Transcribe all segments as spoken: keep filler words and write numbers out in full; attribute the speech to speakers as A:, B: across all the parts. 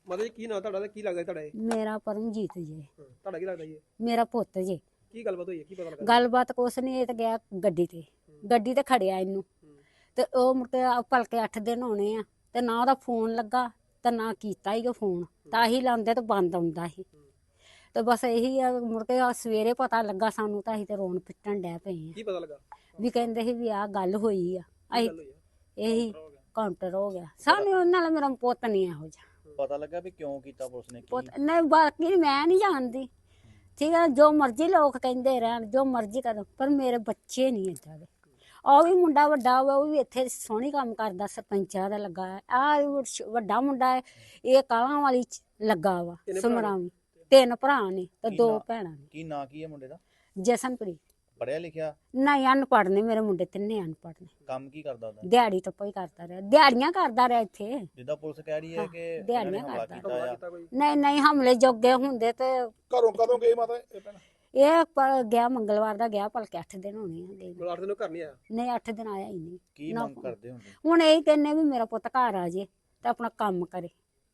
A: ਮਾਤਾ ਜੀ ਕੀ ਨਾਂ ਤੁਹਾਡਾ ਤੇ ਕੀ ਲੱਗਦਾ ਤੁਹਾਡਾ ਇਹ?
B: ਮੇਰਾ ਪਰਮਜੀਤ ਜੀ।
A: ਤੁਹਾਡਾ ਕੀ ਲੱਗਦਾ ਜੀ?
B: ਮੇਰਾ ਪੁੱਤ ਜੀ।
A: ਕੀ ਗੱਲਬਾਤ ਹੋਈ ਹੈ, ਕੀ ਪਤਾ ਲੱਗਾ?
B: ਗੱਲਬਾਤ ਕੁਛ ਨਹੀਂ, ਇਹ ਤਾਂ ਗਿਆ ਗੱਡੀ ਤੇ ਗੱਡੀ ਤੇ ਖੜਿਆ ਇਹਨੂੰ ਤੇ ਉਹ ਮੁੜ ਕੇ ਭਲਕੇ ਅੱਠ ਦਿਨ ਹੋਣੇ ਆ ਤੇ ਨਾ ਉਹਦਾ ਫੋਨ ਲੱਗਾ ਤੇ ਨਾ ਕੀਤਾ ਹੀ ਉਹ ਫੋਨ, ਤਾਂ ਹੀ ਲਾਉਂਦੇ ਤੇ ਬੰਦ ਆਉਂਦਾ ਸੀ। ਤੇ ਬਸ ਇਹੀ ਆ, ਮੁੜ ਕੇ ਸਵੇਰੇ ਪਤਾ ਲੱਗਾ ਸਾਨੂੰ ਤਾਂ ਅਸੀਂ ਤੇ ਰੋਣ ਪਿੱਟਣ ਡੈ ਪਏ ਆ।
A: ਕੀ ਪਤਾ ਲੱਗਾ?
B: ਵੀ ਕਹਿੰਦੇ ਸੀ ਵੀ ਆਹ ਗੱਲ ਹੋਈ ਆ। ਅਸੀਂ ਇਹੀ ਕਾਊਂਟਰ ਹੋ ਗਿਆ ਸਾਨੂੰ, ਉਹਨਾਂ ਨਾਲ ਮੇਰਾ ਪੁੱਤ ਨਹੀਂ ਇਹੋ ਜਿਹਾ
C: ਪਤਾ ਲੱਗਾ ਵੀ ਕਿਉਂ ਕੀਤਾ ਪੁਲਿਸ ਨੇ?
B: ਪੁੱਤ ਨਹੀਂ, ਬਾਕੀ ਮੈਂ ਨਹੀਂ ਜਾਣਦੀ, ਠੀਕ ਹੈ, ਜੋ ਮਰਜ਼ੀ ਲੋਕ ਕਹਿੰਦੇ ਰਹਿਣ, ਜੋ ਮਰਜ਼ੀ ਕਰਨ, ਪਰ ਮੇਰੇ ਬੱਚੇ ਨਹੀਂ ਏਦਾਂ ਦੇ। ਉਹ ਵੀ ਮੁੰਡਾ ਵੱਡਾ ਵਾ, ਉਹ ਵੀ ਇੱਥੇ ਸੋਹਣੀ ਕੰਮ ਕਰਦਾ, ਸਰਪੰਚਾਂ ਦਾ ਲੱਗਾ ਆ। ਵੱਡਾ ਮੁੰਡਾ ਹੈ, ਇਹ ਕਾਲਾਂ ਵਾਲੀ ਚ ਲੱਗਾ ਵਾ ਸਮਰਾਵੀ। ਤਿੰਨ ਭਰਾ ਨੇ ਤੇ ਦੋ ਭੈਣਾਂ ਨੇ।
C: ਕੀ ਨਾਂ ਕੀ ਹੈ ਮੁੰਡੇ ਦਾ?
B: ਜਸਨਪ੍ਰੀਤ।
C: ਪੜਿਆ ਲਿਖਿਆ?
B: ਨਹੀਂ, ਅਨਪੜ੍ਹ ਨੇ ਮੇਰੇ ਮੁੰਡੇ, ਤਿੰਨੇ ਅਨਪੜ੍ਹ ਨੇ।
C: ਕੰਮ ਕੀ ਕਰਦਾ ਉਹਦਾ?
B: ਦਿਹਾੜੀ ਤਾਂ ਕੋਈ ਕਰਦਾ ਰਿਹਾ, ਦਿਹਾੜੀਆਂ ਕਰਦਾ ਰਿਹਾ ਇੱਥੇ।
C: ਜਿੱਦਾਂ ਪੁਲਿਸ ਕਹਿ ਰਹੀ ਹੈ ਕਿ
B: ਦਿਹਾੜੀਆਂ
C: ਹਮਲਾ
B: ਕਰਦਾ।
C: ਕੀਤਾ ਆ।
B: ਨਹੀਂ ਨਹੀਂ, ਹਮਲੇ ਜੋਗੇ ਹੁੰਦੇ ਤੇ
A: ਘਰੋਂ ਕਦੋਂ ਗਏ ਮਾਤਾ ਇਹ ਭੈਣ?
B: ਇਹ ਪ- ਗਿਆ ਮੰਗਲਵਾਰ ਦਾ ਗਿਆ, ਭਲਕੇ ਅੱਠ ਦਿਨ ਹੋਣੇ ਆ ਗਏ।
A: ਮਲਾਟ ਦੇ ਘਰ ਨਹੀਂ ਆਇਆ?
B: ਨਹੀਂ, ਅੱਠ ਦਿਨ ਆਇਆ ਹੀ ਨਹੀਂ।
C: ਕੀ ਮੰਗ ਕਰਦੇ ਹੁੰਦੇ?
B: ਹੁਣ ਇਹ ਕਹਿੰਨੇ ਵੀ ਮੇਰਾ ਪੁੱਤ ਘਰ ਆ ਜੇ ਤੇ ਆਪਣਾ ਕੰਮ ਕਰੇ।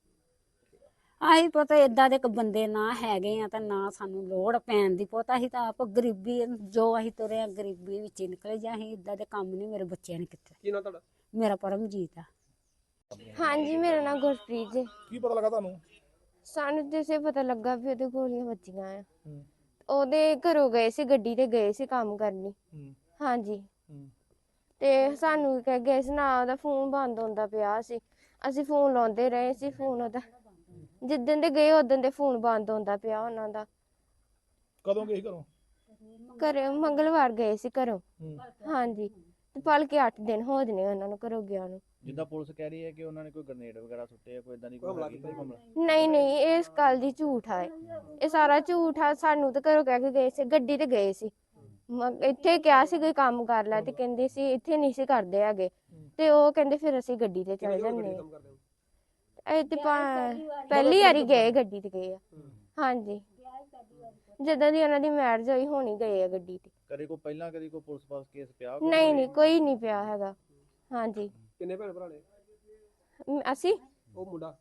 B: ਆਹੀ ਪਤਾ ਏਦਾਂ ਦੇ ਇੱਕ ਬੰਦੇ ਨਾ ਹੈਗੇ ਆ ਤਾਂ ਨਾ ਸਾਨੂੰ ਲੋੜ ਪੈਣ ਦੀ। ਪੁੱਤ ਅਸੀਂ ਤਾਂ ਆਪ ਗਰੀਬੀ, ਜੋ ਅਸੀਂ ਤੁਰੇ ਆ ਗਰੀਬੀ ਵਿੱਚ ਹੀ ਨਿਕਲੇ, ਜਾਂ ਅਸੀਂ ਏਦਾਂ ਦੇ ਕੰਮ ਨਹੀਂ ਮੇਰੇ ਬੱਚਿਆਂ ਨੇ ਕੀਤੇ।
A: ਕੀ ਨਾਂ ਤੁਹਾਡਾ?
B: ਮੇਰਾ ਪਰਮਜੀਤ ਆ।
D: ਹਾਂਜੀ, ਮੇਰਾ ਨਾਮ ਗੁਰਪ੍ਰੀਤ ਜੀ।
A: ਕੀ ਪਤਾ ਲੱਗਾ ਤੁਹਾਨੂੰ?
D: ਸਾਨੂੰ ਜਿਸੇ ਪਤਾ ਲੱਗਾ ਵੀ ਉਹਦੇ ਗੋਲੀਆਂ ਵੱਜੀਆਂ ਆ। ਉਹਦੇ ਘਰੋਂ ਗਏ ਸੀ, ਗੱਡੀ ਤੇ ਗਏ ਸੀ ਕੰਮ ਕਰਨੀ। ਹਾਂਜੀ, ਤੇ ਸਾਨੂੰ ਕਹਿ ਗਏ ਸੀ ਨਾ, ਉਹਦਾ ਫੋਨ ਬੰਦ ਹੁੰਦਾ ਪਿਆ ਸੀ। ਅਸੀਂ ਫੋਨ ਲਾਉਂਦੇ ਰਹੇ ਸੀ, ਫੋਨ ਉਹਦਾ ਜਿੱਦਣ ਦੇ ਗਏ ਉਦੋਂ ਦੇ ਫੋਨ ਬੰਦ ਹੁੰਦਾ ਪਿਆ ਉਹਨਾਂ ਦਾ।
A: ਕਦੋਂ ਗਏ ਘਰੋਂ?
D: ਘਰੇ ਮੰਗਲਵਾਰ ਗਏ ਸੀ ਘਰੋਂ। ਹਾਂਜੀ, ਤੇ ਭਲਕੇ ਅੱਠ ਦਿਨ ਹੋ ਜਨੇ ਉਹਨਾਂ ਨੂੰ ਘਰੋਂ ਗਿਆ ਨੂੰ।
C: ਜਿੱਦਾਂ ਪੁਲਿਸ ਕਹਿ ਰਹੀ ਹੈ ਕਿ ਉਹਨਾਂ ਨੇ ਕੋਈ ਗ੍ਰਨੇਡ ਵਗੈਰਾ ਸੁੱਟੇ ਆ, ਕੋਈ ਇਦਾਂ ਦੀ ਕੋਈ ਹਮਲਾ ਕੀਤਾ?
D: ਨਹੀਂ ਨਹੀਂ, ਇਹ ਇਸ ਗੱਲ ਦੀ ਝੂਠ ਆ। ਇਹ ਸਾਰਾ ਝੂਠ ਆ। ਸਾਨੂੰ ਤਾਂ ਘਰੋਂ ਕਹਿ ਕੇ ਗਏ ਸੀ, ਗੱਡੀ ਤੇ ਗਏ ਸੀ। ਇੱਥੇ ਕਿਹਾ ਸੀ ਕੋਈ ਕੰਮ ਕਰ ਲੈ, ਤੇ ਕਹਿੰਦੇ ਸੀ ਇੱਥੇ ਨਹੀਂ ਸੀ ਕਰਦੇ ਹੈਗੇ। ਤੇ ਉਹ ਕਹਿੰਦੇ ਫਿਰ ਅਸੀਂ ਗੱਡੀ ਤੇ ਚਲੇ ਜਾਂਦੇ। ਇਹ ਤੇ ਪਹਿਲੀ ਵਾਰੀ ਗਏ, ਗੱਡੀ ਤੇ ਗਏ ਆ। ਹਾਂਜੀ, ਜਦੋਂ ਦੀ ਉਹਨਾਂ ਦੀ ਮੈਰਿਜ ਹੋਈ ਹੋਣੀ ਗਏ ਆ ਗੱਡੀ ਤੇ।
C: ਕਦੇ ਕੋਈ ਪਹਿਲਾਂ ਕਦੀ ਕੋਈ ਪੁਲਿਸ ਪਾਸ ਕੇਸ ਪਿਆ?
D: ਨਹੀਂ ਨਹੀਂ, ਕੋਈ ਨਹੀਂ ਪਿਆ ਹੈਗਾ। ਹਾਂਜੀ।
A: ਕਿੰਨੇ ਭੈਣ ਭਰਾ ਨੇ?
D: ਅਸੀਂ
A: ਉਹ ਮੁੰਡਾ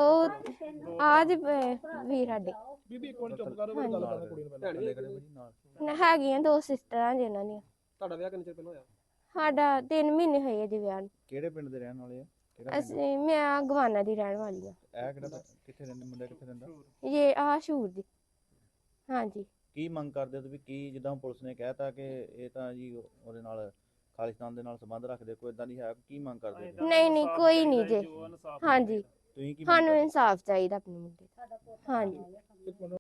D: ਉਹ ਆਜ ਵੀਰ ਸਾਡੇ
A: ਬੀਬੀ ਇੱਕ ਮਿੰਟ ਚੁੱਪ ਕਰੋ, ਗੱਲ ਕਰਨ ਕੁੜੀ ਨੂੰ ਪਹਿਲਾਂ।
D: ਹੈਗੀਆਂ ਦੋ ਸਿਸਟਰਾਂ ਜਿਨ੍ਹਾਂ ਦੀਆਂ।
A: ਤੁਹਾਡਾ ਵਿਆਹ ਕਿੰਨੇ ਚਿਰ ਪਹਿਲਾਂ ਹੋਇਆ?
D: ਸਾਡਾ ਤਿੰਨ ਮਹੀਨੇ ਹੋਏ ਜੀ ਵਿਆਹ ਨੂੰ।
C: ਕਿਹੜੇ ਪਿੰਡ ਦੇ ਰਹਿਣ ਵਾਲੇ ਆ? ਕਿਹੜਾ ਪਿੰਡ?
D: ਅਸੀਂ ਮੈਂ ਗਵਾਨਾ ਦੀ ਰਹਿਣ ਵਾਲੀ ਆ।
C: ਇਹ ਕਿਹੜਾ ਕਿੱਥੇ ਰਹਿੰਦੇ ਮੁੰਡਾ, ਕਿੱਥੇ ਰਹਿੰਦਾ?
D: ਇਹ ਆ ਸ਼ੂਰ ਦੀ। ਹਾਂਜੀ।
C: ਕੀ ਮੰਗ ਕਰਦੇ ਹੋ ਤੁਸੀਂ? ਕੀ ਜਿੱਦਾਂ ਪੁਲਿਸ ਨੇ ਕਹਿਤਾ ਕਿ ਇਹ ਤਾਂ ਜੀ ਉਹਦੇ ਨਾਲ ਖਾਲਿਸਤਾਨ ਦੇ ਨਾਲ ਸੰਬੰਧ ਰੱਖਦੇ, ਕੋਈ ਇਦਾਂ ਨਹੀਂ ਹੈ? ਕੀ ਮੰਗ ਕਰਦੇ ਹੋ?
D: ਨਹੀਂ ਨਹੀਂ, ਕੋਈ ਨਹੀਂ ਜੀ। ਹਾਂਜੀ,
C: ਤੁਸੀਂ ਕੀ
D: ਸਾਨੂੰ ਇਨਸਾਫ ਚਾਹੀਦਾ ਆਪਣੇ ਮੁੰਡੇ ਦਾ। ਹਾਂਜੀ।